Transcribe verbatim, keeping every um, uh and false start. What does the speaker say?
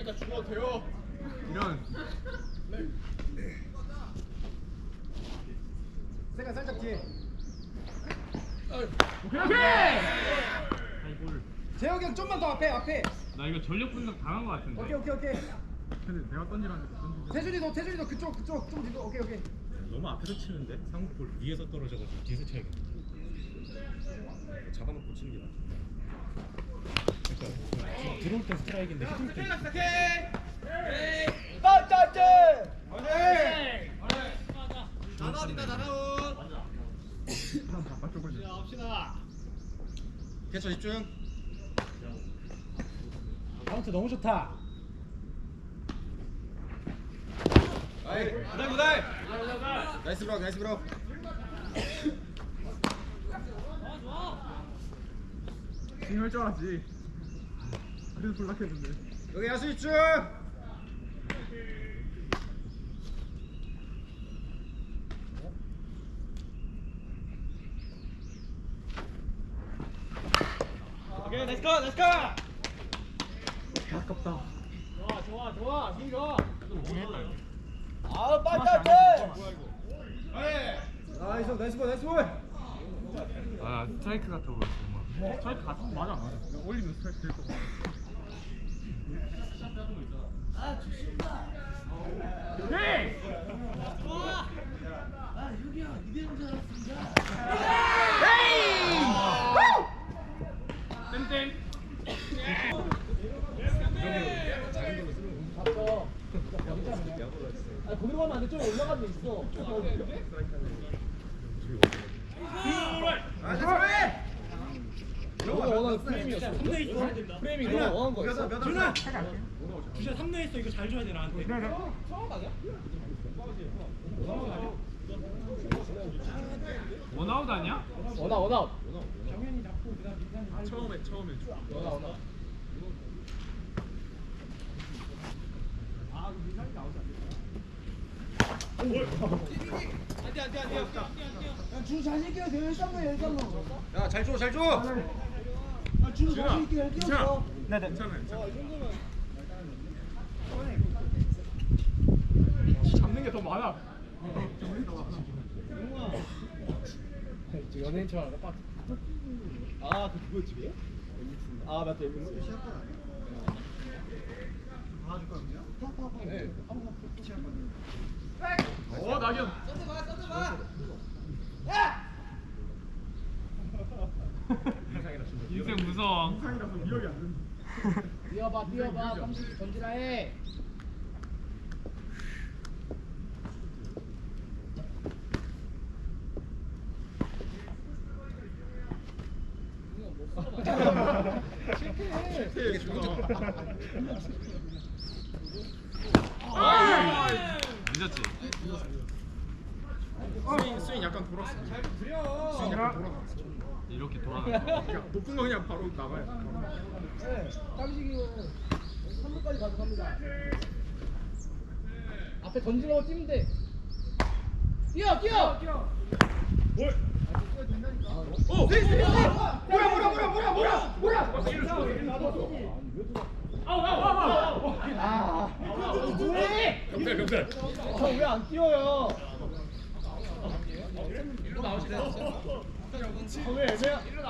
이러니까 죽어도 돼요. 이런. 세가 살짝 뒤에. 오케이 오케이. 아이골. 재혁이 형 좀만 더 앞에 앞에. 나 이거 전력 분석 당한 거 같은데. 오케이 오케이 오케이. 근데 내가 던지라는데 던지. 태준이 너 태준이 너 그쪽 그쪽 좀 뒤로. 오케이 오케이. 너무 앞에서 치는데 상국볼 위에서 떨어져가지고 뒤에서 쳐야겠다. 잡아놓고 치는 게 낫지. 그러니까 지금 들어올 때 스트라이크인데 휘둘 때. 빠짜짜. 나나온이다 나나온. 바깥쪽을. 자 합시다. 캐쳐 집중. 카운트 너무 좋다. 아이 구달 구달. 나이스 브로 나이스 브로. 할 줄 알았지. 그래서 불락했는데. 여기 야수 집중. 오케이 렛츠고 렛츠고. 아깝다. 좋아 좋아 좋아 힘 좋아. 아 빠짜짜. 뭐야 이거. 나이스 나이스 볼 나이스 볼. 아 스트라이크 같아 보였어. 정말. 스트라이크 같은 거 맞아 맞아. 올리면 스트라이크 될 거. 아 좋습니다. 오케이. 좋아. 아 여기야 이대로 줄 알았습니다. 땡땡. 아 거기로 가면 안 돼. 좀 올라가면 돼 있어. 아 잘해. 너가 원하는 프레임이었어. 프레임이 너가 원하는 거였어. 준아. 주자 삼 루 했어. 이거 잘 줘야 돼 나한테. 원아웃 아니야? 원아 원아. 처음에 처음에. 원아 원아. 안돼 안돼 안돼. 주 자신 있게 돼. 일삼루 일삼루. 야잘 줘, 잘 줘. 아, 주 자신 있게 뛰었어. 네네. 괜찮아 괜찮아. 잡는 게 더 많아. 잡는 게 더 많아. 연예인처럼 알아. 아, 그 그거 집이에요? 아, 맞다. 네. 어 낙연. 인생 무서워. 인상이라서 미역이 안 된다. 뛰어봐, 뛰어봐. 삼십 던지라 해. 실패 죽어. 늦었지. 스윙 스윙 약간 돌았어. 스윙 약간 돌아갔어. 이렇게 돌아갔어. 높은 거 그냥 바로 나가요. 네, 깜식이고 삼 루까지 가져갑니다. 앞에 던지라고 뛰면 돼. 뛰어, 뛰어. 뛰어. 뭘? 오! 네, 네, 네. 뭐야, 뭐야, 뭐야, 뭐야, 뭐야, 뭐야. 아우 아우 아우 아우. 아, 뭐해? 병살 병살. 저왜 안 뛰어요? 일로 나오시래. 왜 애매야?